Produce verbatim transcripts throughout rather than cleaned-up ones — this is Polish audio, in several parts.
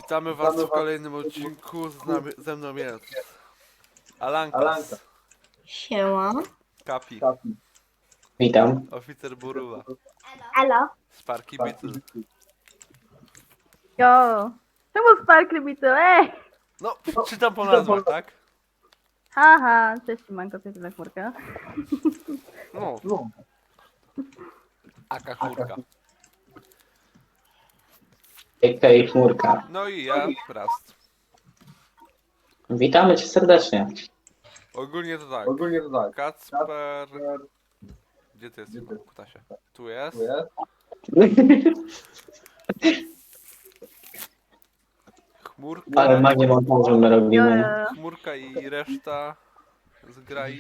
Witamy was w kolejnym odcinku, z nami, ze mną jest Alankas, Siema. Kapi, Witam. Oficer Buruwa, Elo. Sparky Beetle. Jo. Czemu Sparkly Beetle? Ej! No, czytam po nazwach, tak? Haha, cześć Manko, to jest chmurka. No, Aka chmurka. A K A Chmurka. No i ja, Rast. Witamy cię serdecznie. Ogólnie to tak, Ogólnie to tak. Kacper... Gdzie ty jesteś, kutasie? Tu jest. Chmurka, Ale magię montażu my Jo, robimy. jo. chmurka i reszta z grai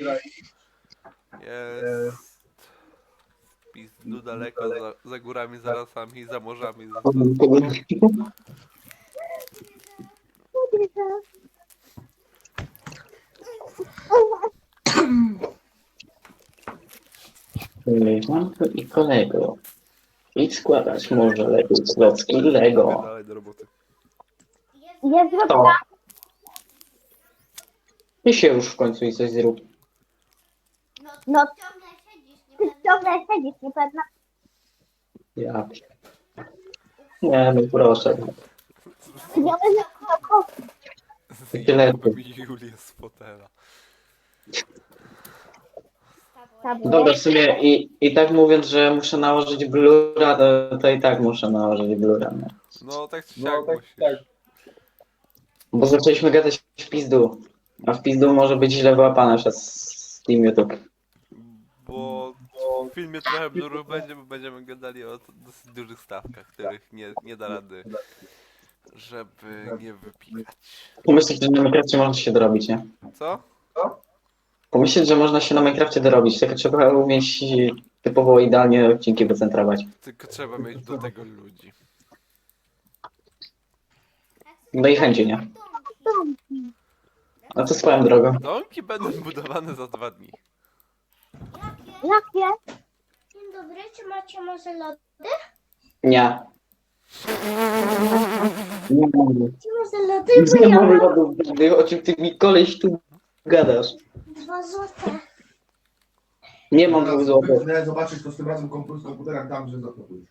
jest w pizdu daleko, za, za górami, za lasami, za morzami. Za, za Koleżanko i kolego. Idź składać może Lego Klocki Lego. dalej do roboty. Jest To. Ty się już w końcu i coś zrób. No, ty ciągle siedzisz, niepewna. Ja. Nie, no proszę. Ja będę Tyle. Julię z fotela. Dobra, w sumie i, i tak mówiąc, że muszę nałożyć blura, to, to i tak muszę nałożyć blura. No. No tak czy No, siak tak, musisz. tak. Bo zaczęliśmy gadać w pizdu. A w pizdu może być źle wyłapane przez Team YouTube. Bo w filmie trochę blurów będzie, bo będziemy gadali o dosyć dużych stawkach, których nie, nie da rady, żeby nie wypikać. Pomyśleć, że na Minecrafcie można się dorobić, nie? Co? Pomyśleć, że można się na Minecrafcie dorobić, tylko trzeba umieć typowo idealnie odcinki wycentrować. Tylko trzeba mieć do tego ludzi. No i chęci, nie? A to swoją drogą. Domki będą budowane za dwa dni. Jakie? Dzień dobry, czy macie może lody? Nie. Nie mam. Czy może lody? Bo Nie ja mam mam lodów. O czym ty mi koleś tu gadasz? dwa złote. Nie mam dwóch złotych. Chcę zobaczyć to z tym razem komputer, z komputerem tam, że zapakujesz.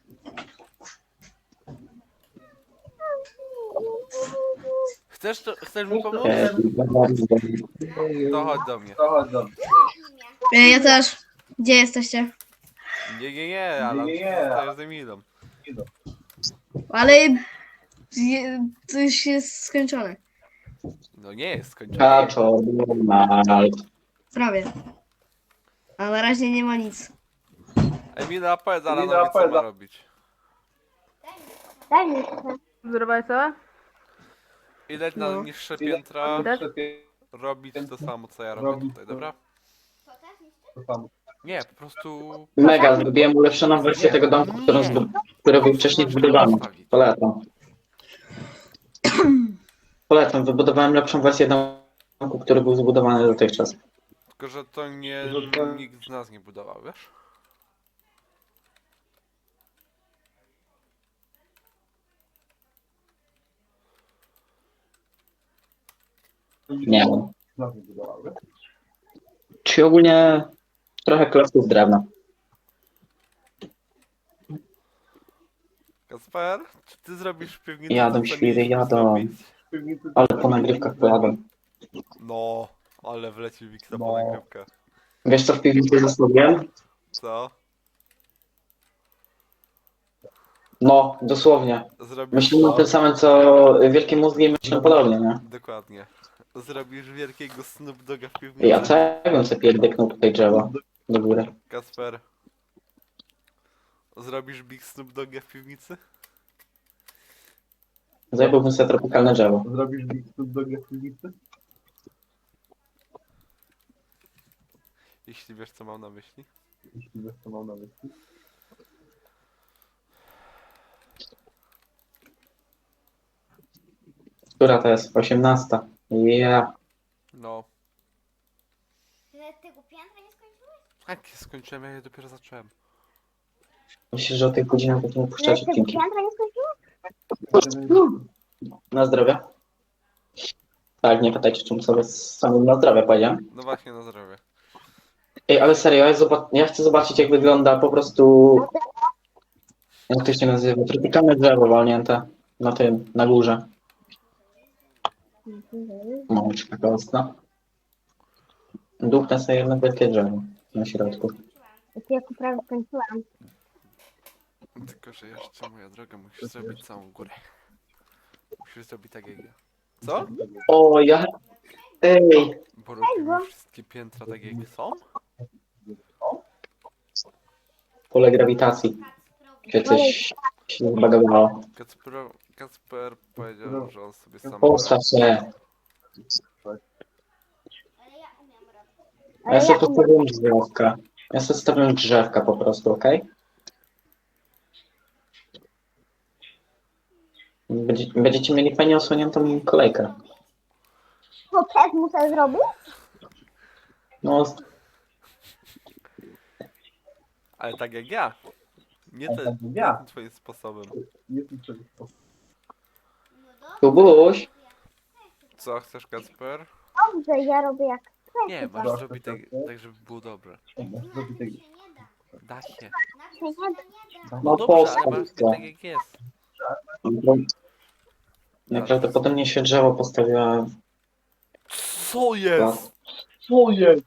Chcesz, to, chcesz mi pomóc? E, To chodź do mnie. To chodź do mnie. Ja też. Gdzie jesteście? Nie, nie, nie, ale Nie, nie. zostajesz z Emilą. Ale to już jest skończone. No nie jest skończone. Kaczor, normal. Prawie. A na razie nie ma nic. Emila, powiedz Emila, Alanowi, co powiedz. ma robić. Daj mi Zrobiłeś co? Idź na No. niższe piętra, Widać? robić to samo, co ja robię Robić tutaj, to. dobra? To samo. Nie, po prostu... Mega, zrobiłem ulepszoną wersję tego domku, którą zbu- który był wcześniej zbudowany. Polecam. Polecam, wybudowałem lepszą wersję domku, który był zbudowany dotychczas. Tylko, że to nie... nikt z nas nie budował, wiesz? Nie wiem. Nas nie budowały. Czy ogólnie trochę klocków drewna. Kasper, czy ty zrobisz w piwnicy? Jadą co świry, mieliśmy jadą. zrobić? Ale po nagrywkach pojadą. No, ale wleci Wiksa po No. nagrywkach. Wiesz co w piwnicy zostawiłem? Co? No, dosłownie. Zrobisz Myślimy o co? tym samym, co wielkie mózgi i myślą podobnie, nie? Dokładnie. Zrobisz wielkiego Snoop Doga w piwnicy? Ja co ja bym sobie pierdyknął tutaj drzewo do góry. Kasper. Zrobisz Big Snoop Doga w piwnicy? Zajebałbym sobie tropikalne drzewo. Zrobisz Big Snoop Dogg w piwnicy? Jeśli wiesz, co mam na myśli. Jeśli wiesz, co mam na myśli. Która to jest? osiemnasta. Ja. No. Tego piętra nie skończyłeś? Tak, skończyłem, ja je dopiero zacząłem. Myślę, że o tych godzinach będziemy puszczać odcinki. piętra nie skończyłeś? Na zdrowie. Tak, nie pytajcie, czym sobie samym na zdrowie powiedziałem. No właśnie, na zdrowie. Ej, ale serio, ja, zobac- ja chcę zobaczyć, jak wygląda po prostu... Jak to się nazywa? Tropikalne drzewo walnięte na tym, na górze. Mączka kostna. Duchnę sobie jedno wielkie drzewo na środku. Ja tu prawie skończyłam. Tylko, że jeszcze, moja droga, musisz zrobić całą górę. Musisz zrobić tak jak ja. Co? O, ja... Ej! Bo robimy wszystkie piętra tak jak są? Pole grawitacji. Czy coś się zbagowało. Kacper, Kacper powiedział, że on sobie sam... Postaw się. Ale Ja sobie ja postawiłem drzewka. Ja sobie stawiam drzewka po prostu, okej? Będzie, będziecie mieli fajnie osłoniętą kolejkę. to też muszę zrobić? No, Ale tak jak ja. Nie, Ale te, tak jak nie ja. tym twoim sposobem. Jest mi czegoś po... Kubuś, Co chcesz, Kacper? Dobrze, ja robię jak chcę. Nie, chyba. masz zrobić tak, tak, żeby było dobrze. Zrobię tak. Da się. Się nie da. no Dobrze, ale postaw masz to. tak jak jest. Najprawdopodobniej się drzewo postawiła. Co jest? Co jest?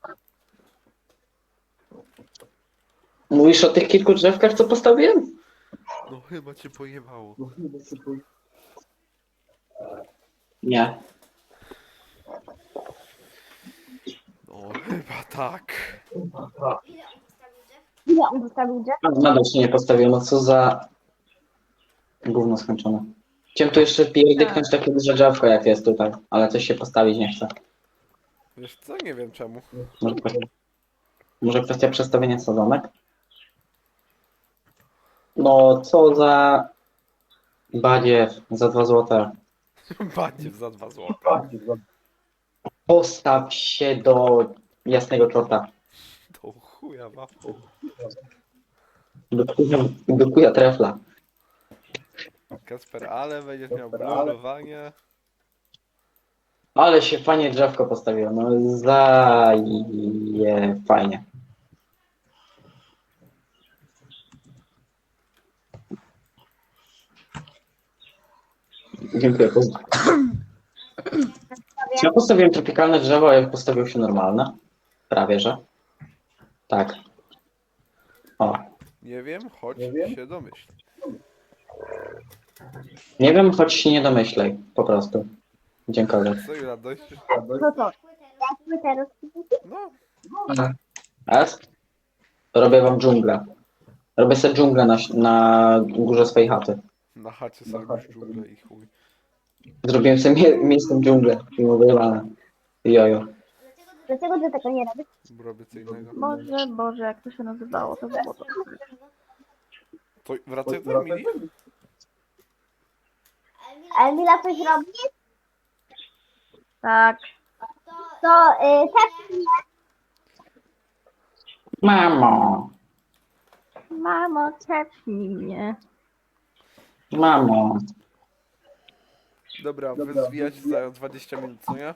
Mówisz o tych kilku drzewkach, co postawiłem? No chyba cię pojebało. No chyba się to... Nie. No chyba tak. Ile on zostawił drzew? A, nadal się nie postawiło, no co za... Gówno skończone. Chciałem tu jeszcze pierdyknąć takie duże drzewko, jak jest tutaj, ale coś się postawić nie chce. Wiesz co? Nie wiem czemu. Może, kwestia- może kwestia przestawienia sadzonek? No, co za... Badziew, za dwa złote. Badziew za dwa złote. Postaw się do jasnego czorta. To chuja waflu. Do kuja, do kuja trefla. Kacper, ale będziesz miał Kacper, ale- blurowanie. Ale się fajnie drzewko postawiło, no zaje fajnie. Dziękuję. poz- Czy ja postawiłem tropikalne drzewo, a jak postawił się normalne? Prawie, że. Tak. O. Nie wiem, choć Nie wiem. się domyśl. Nie wiem, choć się nie domyślej. Po prostu. Dziękuję. Co i radość? Co to? Jak my teraz... No, S? Robię wam dżunglę. Robię sobie dżunglę na, na górze swojej chaty. na chacie Na sobie chacie już dżunglę i chuj. Zrobiłem sobie mie miejscem dżunglę. I wyjebane. Jojo. Dlaczego ty tego nie robisz? Robię co innego. Boże, Boże, jak to się nazywało, to było to. To wracaj do Emilii. A Emila coś robi? Tak, To y, też Mamo. mamo, czepnij mnie. Mamo. Dobra, Dobra, wyzwijać za dwadzieścia minut, co nie?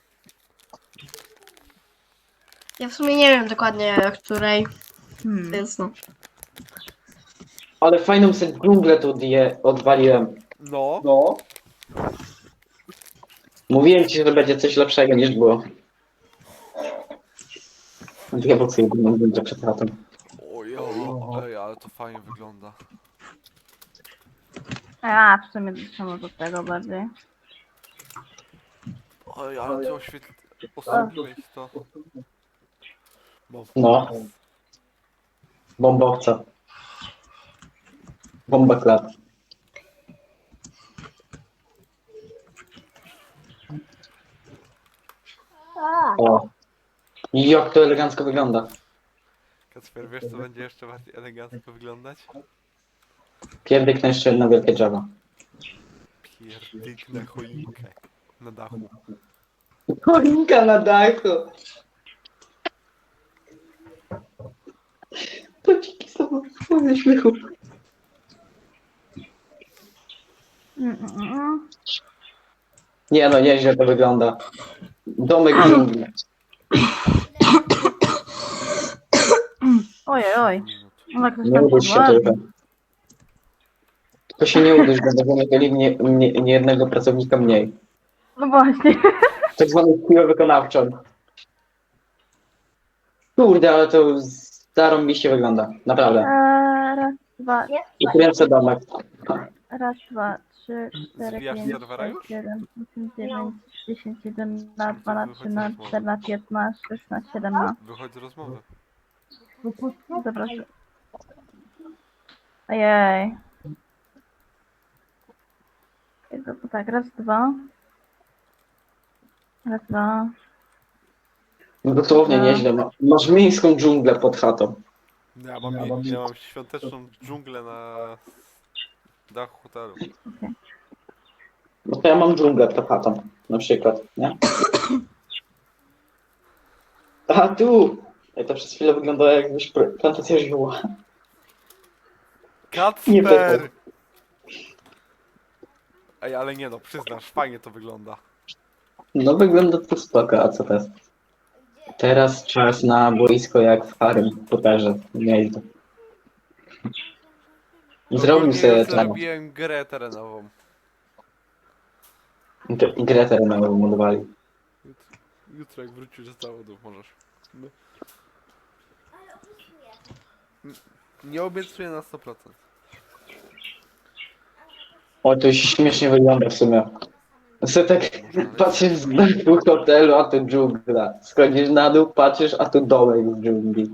Ja w sumie nie wiem dokładnie o której, Hmm. więc no. Ale fajną sobie dżunglę tu odje- odwaliłem. No, No. Mówiłem ci, że będzie coś lepszego niż było. Ja bo sobie dżunglę przed chatą. ojo, ej, ale to fajnie wygląda. A, w sumie doszło do tego bardziej. Oj, ale ty oświetl... osłabiłeś to. Bo... No. Bombowca. Bomba klap. tak. O. Jak to elegancko wygląda. Kacper, wiesz co będzie jeszcze bardziej elegancko wyglądać? Pierdyknę jeszcze jedno wielkie drzewo. Pierdyknę choinkę na dachu. Choinka na dachu. To dziki są ze śmiechu. Mm, mm, mm. Nie no, nieźle to wygląda. Domek dżungli. Ojej, oj. No, ktoś Nie tam udać się się ładzi. tylko. Tylko się nie udać, bo będziemy mieli nie, nie, nie jednego pracownika mniej. No właśnie. Tak zwany siłę wykonawczą. Kurde, ale to zarąbiście wygląda. Naprawdę. Eee, raz, dwa, I kręcę domek. raz, dwa, trzy, cztery, Zwijasz pięć, serwera sześć, już? siedem, osiem, dziewięć, dziesięć, jeden, na dwa, na trzy, na cztery, na pięć, na sześć, na siedem, na... Wychodź z rozmowy. Zapraszam. Ojej. To, to tak, raz, dwa. Raz, dwa. No dosłownie nieźle. Ma- Masz miejską dżunglę pod chatą. Ja mam, Ja mam- ja mam świąteczną dżunglę na dachu hotelu. No to ja mam dżunglę pod chatą. Na przykład, nie? A tu! Ej, to przez chwilę wyglądało jakbyś pr- plantacja żyła. Nie Kacper! pytaj. Ej, ale nie no, przyznasz, fajnie to wygląda. No wygląda to spoko, a co teraz? Teraz czas na boisko jak w Harrym Potterze. Nieźle. Zrobił Ogólnie sobie już ten zrobiłem grę terenową. grę terenową modowali. Jutro, jutro jak wrócisz z zawodów możesz. No. N- Nie obiecuję na sto procent. O, to śmiesznie wygląda w sumie. Sobie tak patrzysz z dachu hotelu, a tu dżungla. Schodzisz na dół, patrzysz, a tu domek w dżungli.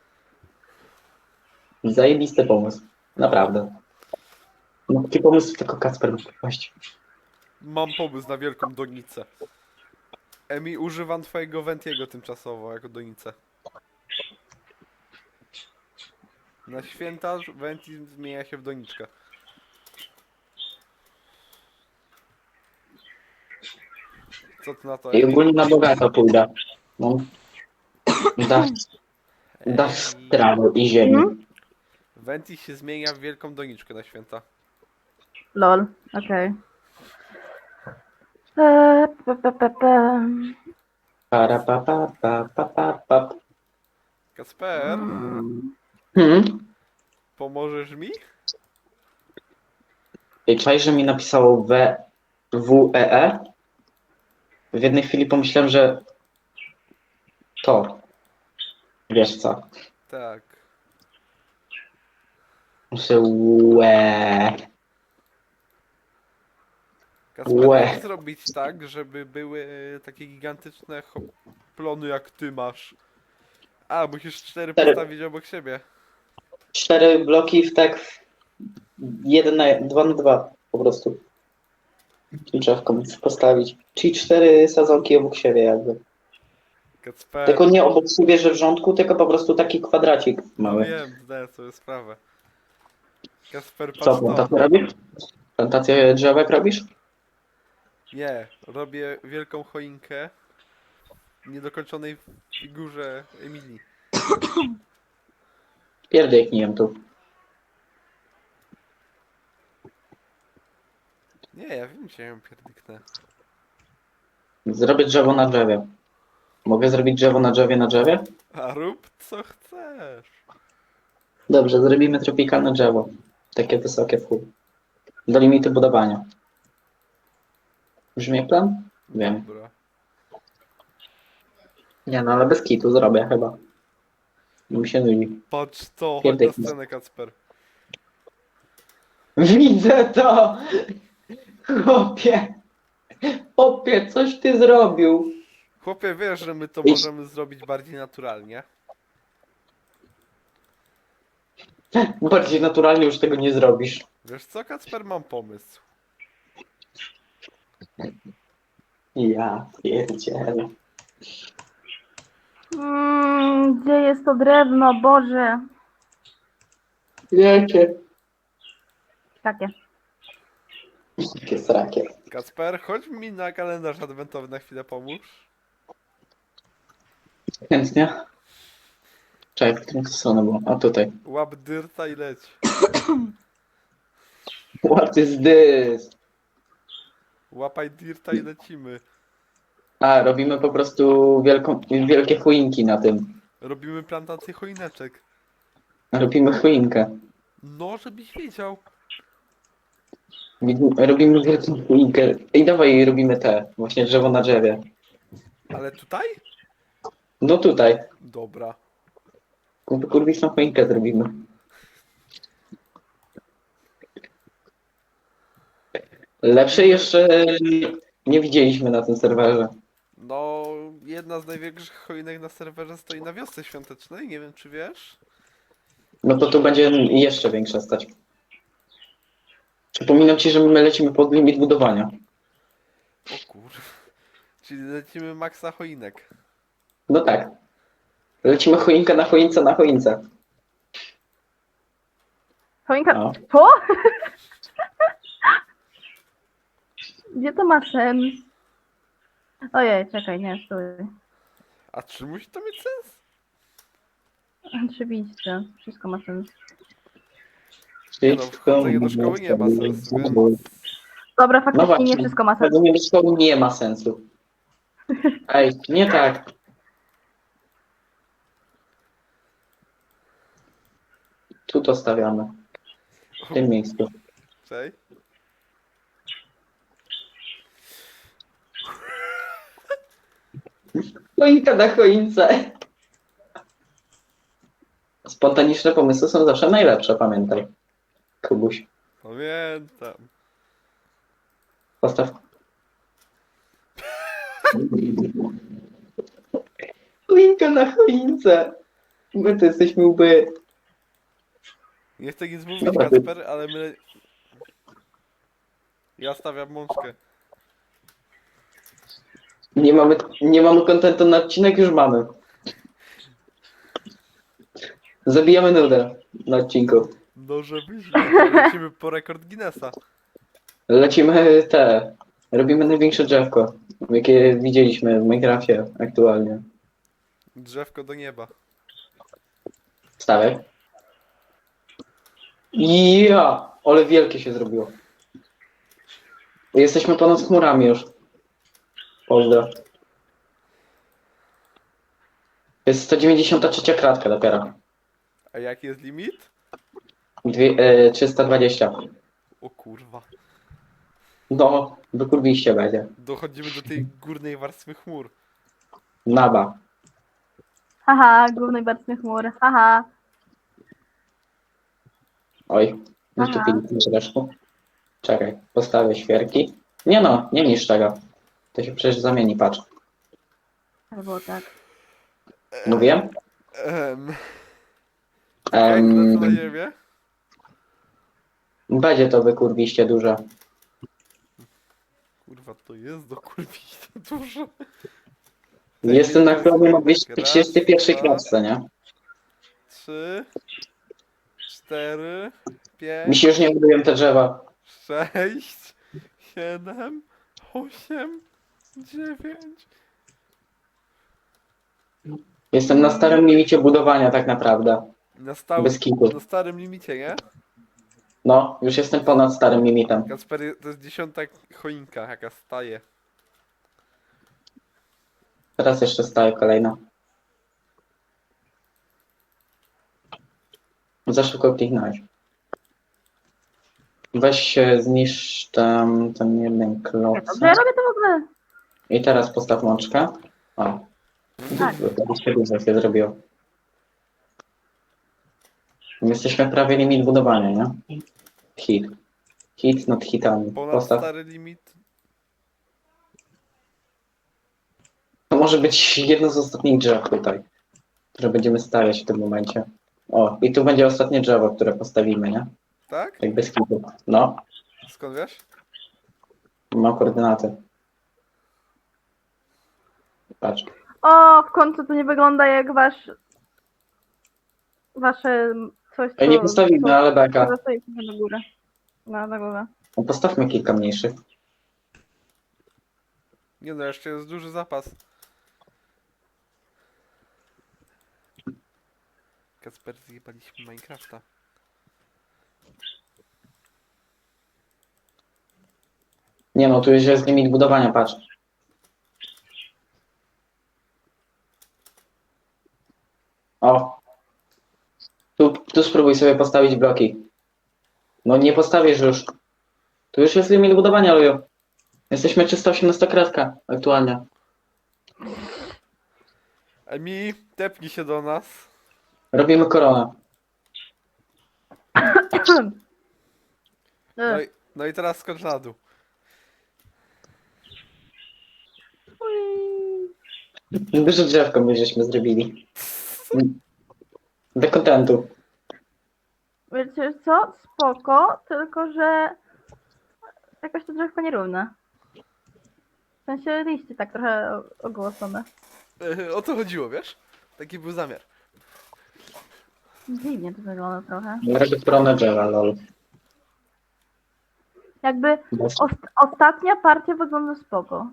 Zajebisty pomysł. Naprawdę. No, taki pomysł tylko Kacper mógł wpaść. Mam pomysł na wielką donicę. Emi, używam twojego Ventiego tymczasowo jako donicę. Na święta Venti zmienia się w doniczkę. Co ty na to? I Emi? ogólnie na bogato pójdę. No. Dach, dach z Ej, trawy i ziemi. Venti się zmienia w wielką doniczkę na święta. Lol, okej. Eee, pe, pe, pe, pe. Para pa pa pa pa pa pa. Kasper, Mm. Hmm? pomożesz mi? I czaj, że mi napisało W, W, E, E. W jednej chwili pomyślałem, że to. Wiesz co? Tak. Muszę łe. Kasper, Łe. jak zrobić tak, żeby były takie gigantyczne ho- plony jak ty masz? A, musisz cztery Cztery. postawić obok siebie. Cztery bloki w tak w jeden na dwa na dwa po prostu. I drzewko muszę postawić. Czyli cztery sadzonki obok siebie jakby. Kacper, Tylko nie obok siebie, że w rządku, tylko po prostu taki kwadracik no mały. wiem, zdaję sobie sprawę. Kasper, Co, patrz to. plantację robisz? Plantację drzewek robisz? Nie, robię wielką choinkę w niedokończonej figurze Emilii. Pierdyknij tu. Nie, ja wiem, gdzie ją pierdyknę. Zrobię drzewo na drzewie. Mogę zrobić drzewo na drzewie na drzewie? A rób co chcesz. Dobrze, zrobimy tropikalne drzewo. Takie wysokie w chuj. Do limitu budowania. Brzmi jak plan? Wiem. Dobra. Nie no, ale bez kitu zrobię chyba. Mi się nudzi. Patrz to, chodź na Pierdyknę. scenę, Kacper. Widzę to! Chłopie! Chłopie, coś ty zrobił! Chłopie, wiesz, że my to Idź. możemy zrobić bardziej naturalnie. Bardziej naturalnie już tego nie zrobisz. Wiesz co, Kacper, mam pomysł. Ja pierdzielę. Mm, gdzie jest to drewno, Boże? Jakie? Takie. Jakie srakie. Kacper, chodź mi na kalendarz adwentowy na chwilę pomóż. Chętnie. Czekaj, w którą stronę było? A tutaj. Łap dyrta i leć. What is this? Łapaj dirta i lecimy. A, robimy po prostu wielką, wielkie choinki na tym. Robimy plantację choineczek. Robimy choinkę. No, żebyś wiedział. Wi- Robimy wielką choinkę. I dawaj robimy te, właśnie drzewo na drzewie. Ale tutaj? No tutaj. Dobra. Kurwiczną choinkę zrobimy. Lepszej jeszcze nie widzieliśmy na tym serwerze. No, jedna z największych choinek na serwerze stoi na wiosce świątecznej, nie wiem czy wiesz. No to tu będzie jeszcze większa stać. Przypominam ci, że my lecimy pod limit budowania. O kur... Czyli lecimy maksa choinek. No tak. Lecimy choinka na choince na choince. Choinka... No. Co? Gdzie to ma sens? Ojej, czekaj, nie, stój. A czy musi to mieć sens? Oczywiście, wszystko ma sens. Nie no, wchodzenie do szkoły nie ma sensu, więc... Dobra, No faktycznie właśnie. nie wszystko ma sens. Chodzenie do szkoły nie ma sensu. Ej, nie tak. Tu to stawiamy. W tym miejscu. Cześć. Choinka na choince. Spontaniczne pomysły są zawsze najlepsze, pamiętaj. Kubuś, Pamiętam. postaw. Choinka na choince. My to jesteśmy łby. Nie chcę nic mówić, Dobra, Kacper, ale my... Ja stawiam mączkę. Nie mamy, nie mamy kontentu na odcinek, już mamy. Zabijamy nudę na odcinku. No żebyś wiedział, lecimy po rekord Guinnessa. Lecimy te. Robimy największe drzewko, jakie widzieliśmy w Minecrafcie aktualnie. Drzewko do nieba. Stawek. Ja, ale wielkie się zrobiło. Jesteśmy ponad chmurami już. Pozdro. Jest sto dziewięćdziesiąta trzecia kratka dopiero. A jaki jest limit? Dwie, e, trzysta dwadzieścia. O kurwa. No, wykurwiście będzie. Dochodzimy do tej górnej warstwy chmur. Naba. Haha, głównej barwny chmur, haha. Oj, wyszczupiliśmy zresztą. Czekaj, postawię świerki. Nie no, nie niszcz tego. To się przecież zamieni, patrz. Albo tak. Mówiłem? Ehm. Em, na ziemię? będzie to wykurwiście duże. Kurwa, to jest do kurwić to dużo. Jestem na chronie na dwieście Raz, trzydzieści pierwszej dwa, klatce, nie? Trzy, cztery, pięć, Mi się już nie budują te drzewa. sześć, siedem, osiem, dziewięć. Jestem na starym limicie budowania tak naprawdę. Na, stałym, Bez kitu. na starym limicie, nie? No, już jestem ponad starym limitem. Kacper, to jest dziesiąta choinka, jaka staje. Teraz jeszcze staje kolejna. Za szybko kliknąłeś. Weź się, zniszcz tam ten jeden Dobrze, ja kloc. robię to w ogóle. I teraz postaw mączkę. O. Tak. To się dużo się zrobiło. Jesteśmy prawie limit budowania, nie? Hit. Hit nad hitami. Ponad Postaw. stary limit. To może być jedno z ostatnich drzew tutaj, które będziemy stawiać w tym momencie. O, i tu będzie ostatnie drzewo, które postawimy, nie? Tak? Tak bez kitu. No, Skąd wiesz? mam koordynaty. Patrz. O, w końcu to nie wygląda jak wasz... Wasze coś, co... Ej, nie postawimy, co- ale beka. co stoi do góry. No, na górę. No, postawmy kilka mniejszych. Nie no, jeszcze jest duży zapas. Kacper, zjebaliśmy Minecrafta. Nie no, tu już jest limit budowania, patrz. O. Tu, tu spróbuj sobie postawić bloki. No nie postawisz już. Tu już jest limit budowania, Luju. Jesteśmy trzysta osiemnaście kratka aktualnie. Emi, tepnij się do nas. Robimy koronę. No i, no i teraz skocz na dół. Duże drzewko my żeśmy zrobili. Do kontentu. Wiecie co? Spoko, tylko że jakoś to drzewko nierówne. W sensie liście tak trochę o- ogłosone. Yy, o to chodziło, wiesz? Taki był zamiar. Dziwnie to wygląda trochę. Robię koronę drzewa, lol. Jakby Bez- ost ostatnia partia wygląda spoko.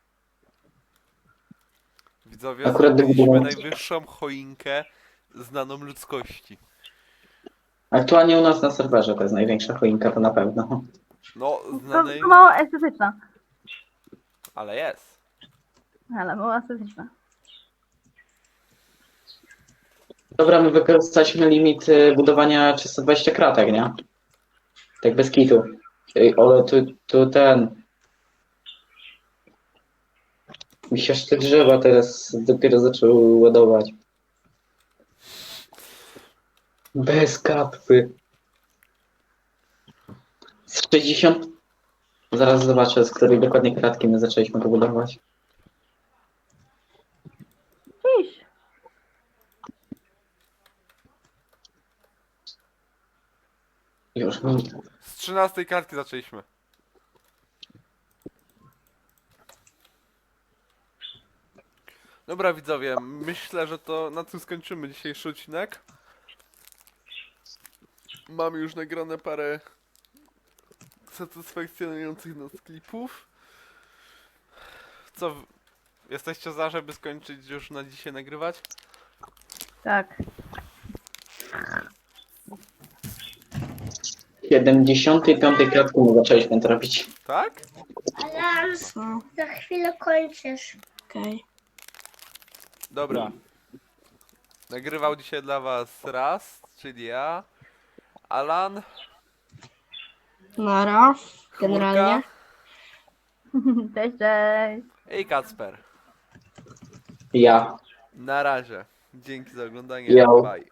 Widzowie, Akurat zrobiliśmy gdyby- najwyższą choinkę znaną ludzkości. Aktualnie u nas na serwerze to jest największa choinka, to na pewno. No, To, znanej, to mało estetyczna. ale jest. Ale mało estetyczna. Dobra, my wykorzystaliśmy limit y, budowania trzysta dwadzieścia kratek, nie? Tak bez kitu. Ej, ale tu, tu ten... Mi się aż te drzewa teraz dopiero zaczęły ładować. Bez kapy. Z sześćdziesiąt... Zaraz zobaczę, z której dokładnie kratki my zaczęliśmy to budować. Dziś. Już mi... Z trzynastej kartki zaczęliśmy. Dobra widzowie, myślę, że to na tym skończymy dzisiejszy odcinek. Mamy już nagrane parę satysfakcjonujących nas klipów. Co, w- jesteście za, żeby skończyć już na dzisiaj nagrywać? Tak. siedemdziesiątej piątej kratki my zaczęliśmy to robić. Tak? Alarm, Co? za chwilę kończysz. Okej. Dobra. Nagrywał dzisiaj dla was Raz, czyli ja, Alan, Nara. Chmurka Generalnie. Cześć, cześć. i Kacper. Ja. Na razie. Dzięki za oglądanie. Yo. Bye.